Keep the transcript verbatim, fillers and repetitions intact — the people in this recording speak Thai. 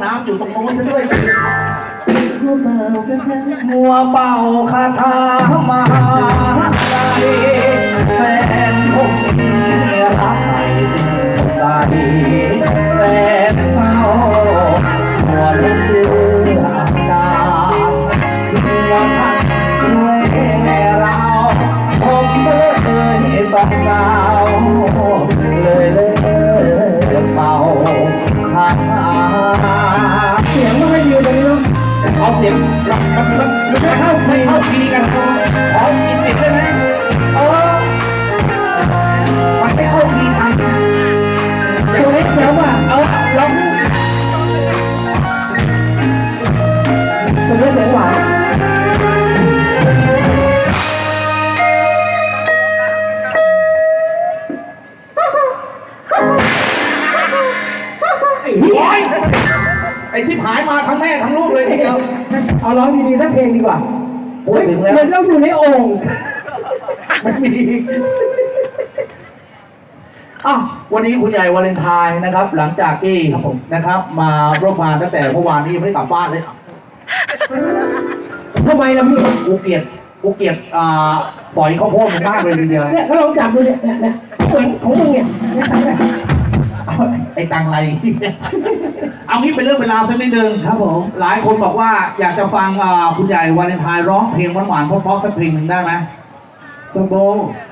น้ำอยู่ตรงโน้นด้วยมัวเบาก็ได้มัวเป่าคาถามหาใจแฟนผมรักใสแฟนเขาหัวเลือดาหัวทักช่วยเราผมเลยสองสาวเลยเลยเป่าคาถาเสียงไม่ค่อยดีตรงนี้เนาะเอาเสียงมันมันมันไม่เข้าไม่เข้าทีกันขอกินติดได้ไหมเออมันไม่เข้าทีกันเสียงเล็กเสียงว่ะเออเราเสียงเล็กเสียงหวานไอ้หัวไอ้ที่หายมาทั้งแม่ทั้งลูกเลยทีเดียวเอาร้องดีๆสักเพลงดีกว่าพูดถึงแล้วเหมือนเราอยู่ในโอ่งมันมีอ้าววันนี้คุณใหญ่วาเลนไทน์นะครับ หลังจากที่นะครับ มาร่วมงานตั้งแต่เมื่อวานนี้ยังไม่ได้กลับบ้านเลยทำไมล่ะพี่กูเกลียดกูเกลียดอ่าฝอยข้าวโพดมึงมากเลยทีเดียวเนี่ยเขาลองจับดูเนี่ยเนี่ยเนี่ยเหมือนของมึงเนี่ยเนี่ยทำไงเอาไอ้ตังไร เอางี้เป็นเรื่องเป็นราวสักนิดนึงครับผมหลายคนบอกว่าอยากจะฟังอ่าคุณใหญ่วาเลนไทน์ร้องเพลงหวานๆเพราะๆสักเพลงหนึ่งได้ไหมสมบง